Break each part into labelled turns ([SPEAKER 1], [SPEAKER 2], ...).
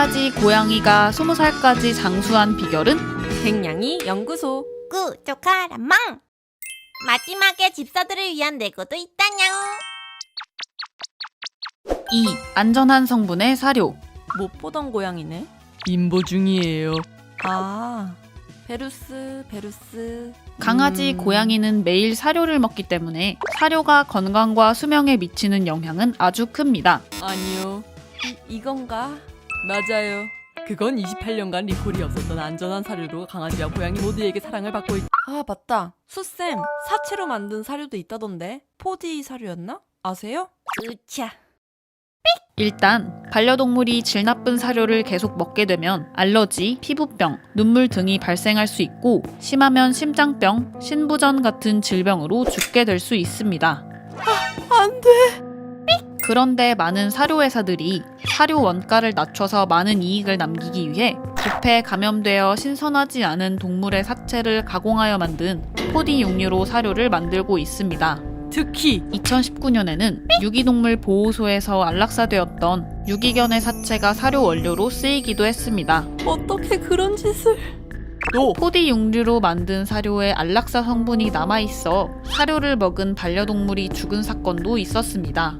[SPEAKER 1] 까지 고양이가 20살까지 장수한 비결은?
[SPEAKER 2] 백냥이 연구소.
[SPEAKER 3] 구독하라망! 마지막에 집사들을 위한 내고도 있다냥.
[SPEAKER 1] 2. 안전한 성분의 사료.
[SPEAKER 2] 못 보던 고양이네.
[SPEAKER 4] 임보 중이에요.
[SPEAKER 2] 아, 베루스.
[SPEAKER 1] 강아지, 고양이는 매일 사료를 먹기 때문에 사료가 건강과 수명에 미치는 영향은 아주 큽니다.
[SPEAKER 2] 아니요. 이건가?
[SPEAKER 4] 맞아요. 그건 28년간 리콜이 없었던 안전한 사료로 강아지와 고양이 모두에게 사랑을 받고 있...
[SPEAKER 2] 아, 맞다. 수쌤, 사체로 만든 사료도 있다던데. 포디 사료였나? 아세요?
[SPEAKER 3] 으차.
[SPEAKER 1] 일단 반려동물이 질 나쁜 사료를 계속 먹게 되면 알러지, 피부병, 눈물 등이 발생할 수 있고 심하면 심장병, 신부전 같은 질병으로 죽게 될 수 있습니다.
[SPEAKER 2] 안 돼.
[SPEAKER 1] 그런데 많은 사료회사들이 사료 원가를 낮춰서 많은 이익을 남기기 위해 부패에 감염되어 신선하지 않은 동물의 사체를 가공하여 만든 포디 육류로 사료를 만들고 있습니다.
[SPEAKER 4] 특히
[SPEAKER 1] 2019년에는 유기동물 보호소에서 안락사되었던 유기견의 사체가 사료 원료로 쓰이기도 했습니다.
[SPEAKER 2] 어떻게 그런 짓을?
[SPEAKER 4] 또
[SPEAKER 1] 포디 육류로 만든 사료에 안락사 성분이 남아있어 사료를 먹은 반려동물이 죽은 사건도 있었습니다.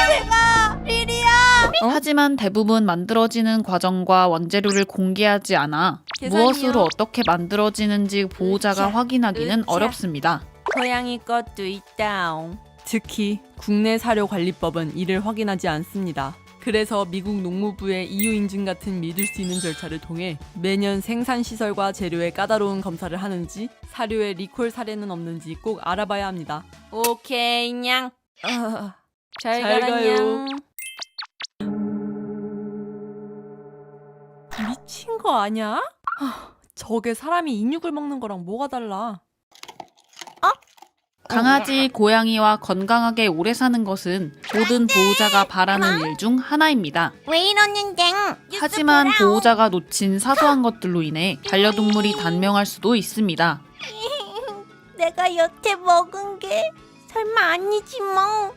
[SPEAKER 1] 하지만 대부분 만들어지는 과정과 원재료를 공개하지 않아
[SPEAKER 2] 계산이요?
[SPEAKER 1] 무엇으로 어떻게 만들어지는지 보호자가
[SPEAKER 3] 으쌰,
[SPEAKER 1] 확인하기는
[SPEAKER 3] 으쌰.
[SPEAKER 1] 어렵습니다.
[SPEAKER 2] 고양이 것도 있다옹.
[SPEAKER 4] 특히 국내 사료 관리법은 이를 확인하지 않습니다. 그래서 미국 농무부의 EU 인증 같은 믿을 수 있는 절차를 통해 매년 생산 시설과 재료의 까다로운 검사를 하는지 사료에 리콜 사례는 없는지 꼭 알아봐야 합니다.
[SPEAKER 3] 오케이, 냥.
[SPEAKER 2] 아,
[SPEAKER 4] 잘
[SPEAKER 2] 잘
[SPEAKER 4] 가요.
[SPEAKER 2] 가요. 미친 거 아니야? 저게 사람이 인육을 먹는 거랑 뭐가 달라?
[SPEAKER 1] 강아지, 고양이와 건강하게 오래 사는 것은 모든 보호자가 바라는 일 중 하나입니다.
[SPEAKER 3] 왜 이러는데?
[SPEAKER 1] 하지만 보호자가 놓친 사소한 것들로 인해 반려동물이 단명할 수도 있습니다.
[SPEAKER 3] 내가 여태 먹은 게 설마 아니지 뭐.